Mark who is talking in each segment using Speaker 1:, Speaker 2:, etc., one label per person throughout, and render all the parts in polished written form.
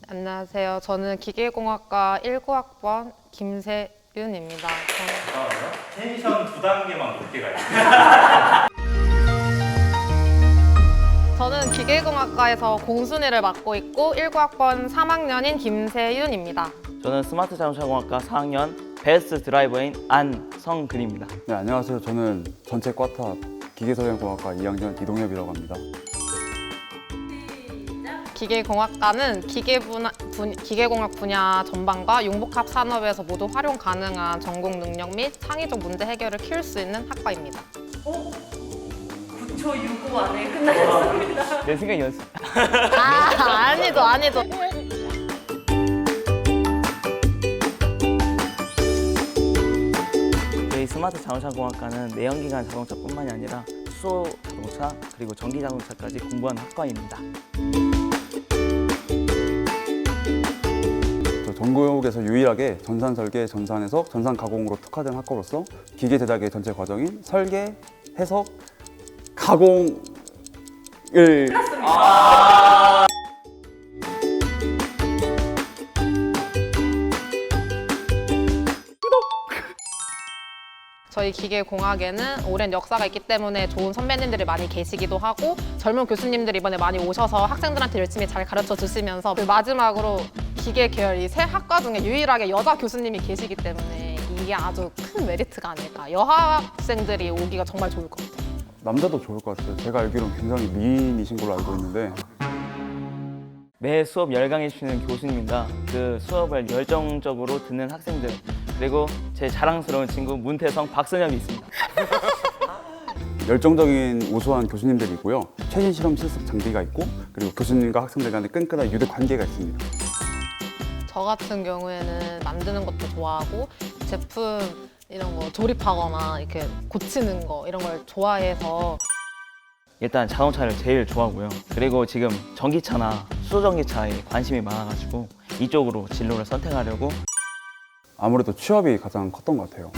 Speaker 1: 안녕하세요. 저는 기계공학과 19학번 김세윤입니다.
Speaker 2: 텐션 2단계만 높게 가요.
Speaker 1: 저는 기계공학과에서 공순위를 맡고 있고 19학번 3학년인 김세윤입니다.
Speaker 3: 저는 스마트 자동차공학과 4학년 베스트 드라이버인 안성근입니다.
Speaker 4: 네, 안녕하세요. 저는 전체 과탑 기계설계공학과 2학년 이동엽이라고 합니다.
Speaker 1: 기계공학과는 기계공학 분야 전반과 융복합 산업에서 모두 활용 가능한 전공 능력 및 창의적 문제 해결을 키울 수 있는 학과입니다.
Speaker 5: 9초 65 안에 끝나셨습니다.
Speaker 3: 내 생각 연습.
Speaker 1: 아니죠.
Speaker 3: 저희 스마트 자동차공학과는 내연기관 자동차뿐만이 아니라 수소 자동차 그리고 전기 자동차까지 공부하는 학과입니다.
Speaker 4: 전국에서 유일하게 전산 설계, 전산 해석, 전산 가공으로 특화된 학과로서 기계 제작의 전체 과정인 설계, 해석, 가공을
Speaker 1: 저희 기계공학에는 오랜 역사가 있기 때문에 좋은 선배님들이 많이 계시기도 하고 젊은 교수님들이 이번에 많이 오셔서 학생들한테 열심히 잘 가르쳐 주시면서 마지막으로 기계 계열 이 세 학과 중에 유일하게 여자 교수님이 계시기 때문에 이게 아주 큰 메리트가 아닐까. 여학생들이 오기가 정말 좋을 것 같아요.
Speaker 4: 남자도 좋을 것 같아요. 제가 알기로는 굉장히 미인이신 걸로 알고 있는데
Speaker 3: 매 수업 열강해 주시는 교수님과 그 수업을 열정적으로 듣는 학생들 그리고 제 자랑스러운 친구 문태성, 박선엽이 있습니다.
Speaker 4: 열정적인 우수한 교수님들이 있고요. 최신 실험 실습 장비가 있고 그리고 교수님과 학생들 간의 끈끈한 유대 관계가 있습니다.
Speaker 1: 저 같은 경우에는 만드는 것도 좋아하고 제품 이런 거 조립하거나 이렇게 고치는 거 이런 걸 좋아해서
Speaker 3: 일단 자동차를 제일 좋아하고요. 그리고 지금 전기차나 수소전기차에 관심이 많아가지고 이쪽으로 진로를 선택하려고.
Speaker 4: 아무래도 취업이 가장 컸던 것 같아요.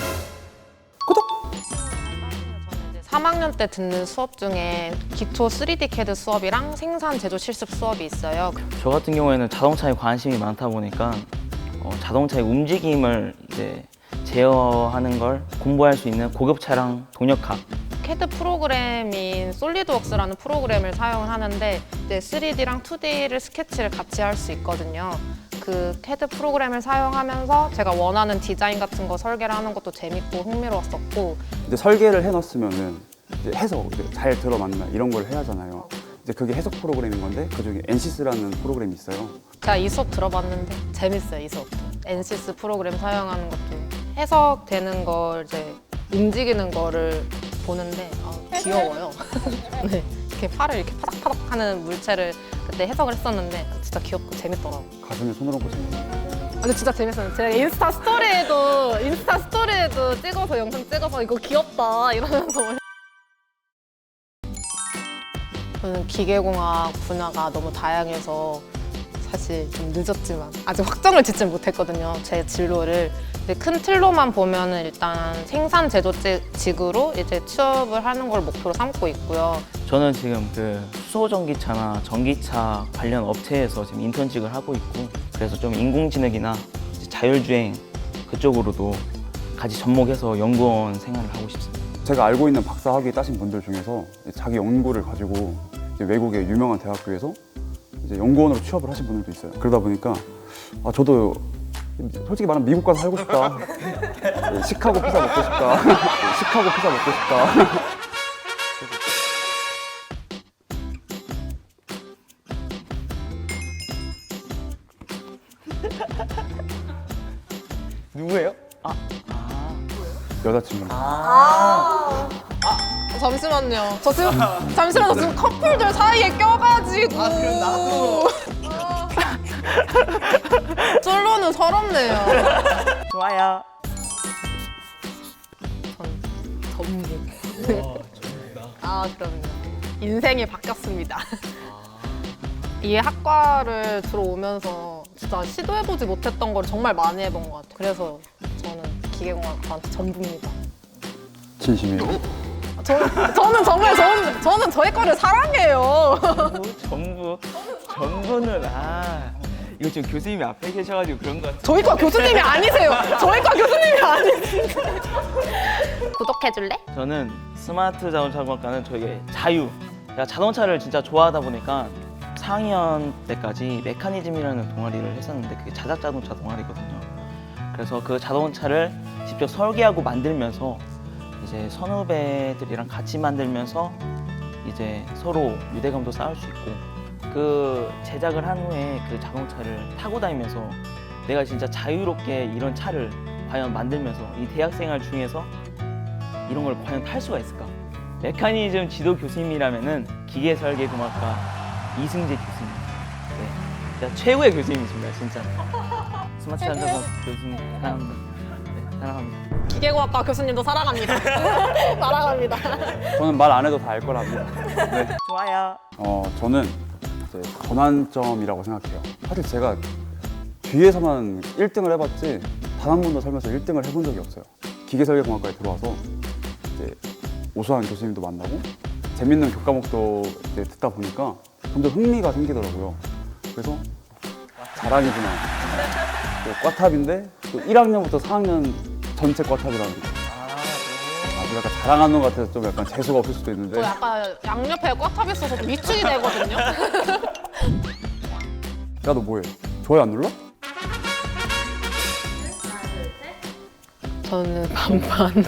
Speaker 1: 3학년 때 듣는 수업 중에 기초 3D CAD 수업이랑 생산 제조 실습 수업이 있어요.
Speaker 3: 저 같은 경우에는 자동차에 관심이 많다 보니까 자동차의 움직임을 이제 제어하는 걸 공부할 수 있는 고급 차량 동력학
Speaker 1: CAD 프로그램인 솔리드웍스라는 프로그램을 사용을 하는데 이제 3D랑 2D를 스케치를 같이 할 수 있거든요. 그 CAD 프로그램을 사용하면서 제가 원하는 디자인 같은 거 설계를 하는 것도 재밌고 흥미로웠었고
Speaker 4: 이제 설계를 해놨으면은 이제 해석 이제 잘 들어맞나 이런 걸 해야 하잖아요. 이제 그게 해석 프로그램인 건데 그중에 NCS라는 프로그램이 있어요.
Speaker 1: 제가 이 수업 들어봤는데 재밌어요. 이 수업도 NCS 프로그램 사용하는 것도 해석되는 걸 이제 움직이는 거를 보는데 귀여워요. 네, 이렇게 팔을 이렇게 파닥파닥 하는 물체를 그때 해석을 했었는데 진짜 귀엽고 재밌더라고요.
Speaker 4: 가슴에 손을 얹고 재밌어요.
Speaker 1: 근데 진짜 재밌었어요. 제가 인스타 스토리에도 찍어서 영상 찍어서 이거 귀엽다 이러면서 저는 기계공학 분야가 너무 다양해서 사실 좀 늦었지만 아직 확정을 짓지 못했거든요. 제 진로를. 근데 큰 틀로만 보면은 일단 생산 제조직으로 이제 취업을 하는 걸 목표로 삼고 있고요.
Speaker 3: 저는 지금 그 수소전기차나 전기차 관련 업체에서 지금 인턴직을 하고 있고 그래서 좀 인공지능이나 이제 자율주행 그쪽으로도 같이 접목해서 연구원 생활을 하고 싶습니다.
Speaker 4: 제가 알고 있는 박사학위 따신 분들 중에서 자기 연구를 가지고 이제 외국의 유명한 대학교에서 이제 연구원으로 취업을 하신 분들도 있어요. 그러다 보니까 저도 솔직히 말하면 미국 가서 살고 싶다. 시카고 피자 먹고 싶다. 시카고 피자 먹고 싶다.
Speaker 3: 누구예요?
Speaker 4: 여자친구입니다.
Speaker 1: 잠시만요. 저 지금 커플들 사이에 껴가지고.
Speaker 3: 그럼 나도.
Speaker 1: 솔로는 서럽네요.
Speaker 3: 좋아요.
Speaker 1: 전 전부. 그럼요. 인생이 바뀌었습니다. 이 학과를 들어오면서 진짜 시도해보지 못했던 걸 정말 많이 해본 것 같아요. 그래서 저는 기계공학과한테 전부입니다.
Speaker 4: 진심이에요.
Speaker 1: 저는 저희 과를 사랑해요.
Speaker 3: 전부는 이거 지금 교수님이 앞에 계셔가지고 그런 거 같아요.
Speaker 1: 저희과 교수님이 아니세요. 저희과 교수님이 아니세요. 구독해줄래?
Speaker 3: 저는 스마트 자동차공학과는 저희의 자유. 제가 자동차를 진짜 좋아하다 보니까 4학년 때까지 메커니즘이라는 동아리를 했었는데 그게 자작 자동차 동아리거든요. 그래서 그 자동차를 직접 설계하고 만들면서 이제 선후배들이랑 같이 만들면서 이제 서로 유대감도 쌓을 수 있고 그 제작을 한 후에 그 자동차를 타고 다니면서 내가 진짜 자유롭게 이런 차를 과연 만들면서 이 대학생활 중에서 이런 걸 과연 탈 수가 있을까? 메커니즘 지도 교수님이라면은 기계설계공학과 이승재 교수님. 네, 진짜 최고의 교수님이십니다, 진짜. 스마트 자동차 교수님 사랑합니다. 네, 사랑합니다.
Speaker 1: 기계공학과 교수님도 사랑합니다. 사랑합니다.
Speaker 4: 저는 말 안 해도 다 알 거랍니다. 네.
Speaker 3: 좋아요.
Speaker 4: 저는 이제 전환점이라고 생각해요. 사실 제가 뒤에서만 1등을 해봤지 단 한 번도 살면서 1등을 해본 적이 없어요. 기계설계공학과에 들어와서 이제 우수한 교수님도 만나고 재밌는 교과목도 이제 듣다 보니까 점점 흥미가 생기더라고요. 그래서 자랑이구나. 또 꽈탑인데 또 1학년부터 4학년 전체 꽈탑이라는 거. 아주 약간 자랑하는 것 같아서 좀 약간 재수가 없을 수도 있는데.
Speaker 1: 저 약간 양옆에 꽉탑 있어서 좀 위축이 되거든요.
Speaker 4: 야, 너 뭐해? 좋아요 안 눌러?
Speaker 1: 저는 반반.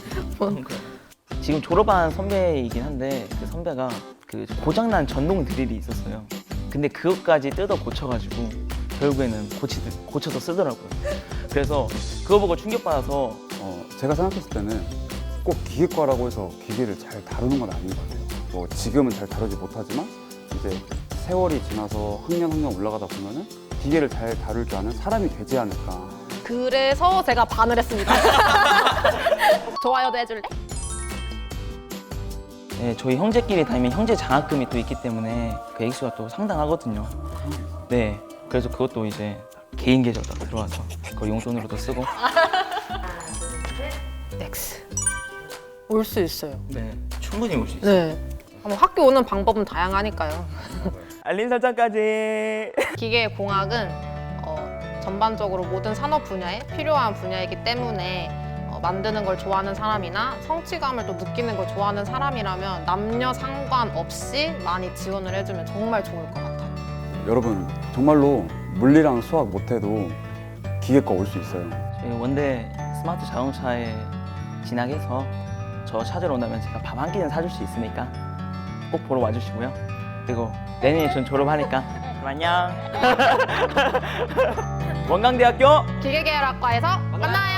Speaker 3: 지금 졸업한 선배이긴 한데 그 선배가 그 고장난 전동 드릴이 있었어요. 근데 그것까지 뜯어 고쳐가지고 결국에는 고쳐서 쓰더라고요. 그래서 그거 보고 충격받아서
Speaker 4: 제가 생각했을 때는 꼭 기계과라고 해서 기계를 잘 다루는 건 아닌 것 같아요. 뭐 지금은 잘 다루지 못하지만 이제 세월이 지나서 학년 올라가다 보면은 기계를 잘 다룰 줄 아는 사람이 되지 않을까.
Speaker 1: 그래서 제가 반을 했습니다. 좋아요도 해줄래?
Speaker 3: 네, 저희 형제끼리 다니면 형제 장학금이 또 있기 때문에 그 액수가 또 상당하거든요. 네, 그래서 그것도 이제 개인 계좌로 다 들어와서 그걸 용돈으로도 쓰고.
Speaker 1: X. 올 수 있어요.
Speaker 3: 네, 충분히 올 수 있어요.
Speaker 1: 네. 학교 오는 방법은 다양하니까요.
Speaker 3: 알림 설정까지.
Speaker 1: 기계공학은 전반적으로 모든 산업 분야에 필요한 분야이기 때문에 만드는 걸 좋아하는 사람이나 성취감을 또 느끼는 걸 좋아하는 사람이라면 남녀 상관없이 많이 지원을 해주면 정말 좋을 것 같아요.
Speaker 4: 여러분 정말로 물리랑 수학 못해도 기계과 올 수 있어요.
Speaker 3: 저희 원대 스마트 자동차에 진학해서 저 찾으러 온다면 제가 밥 한 끼는 사줄 수 있으니까 꼭 보러 와주시고요. 그리고 내년에 전 졸업하니까 안녕. 원광대학교
Speaker 1: 기계계열학과에서 만나요.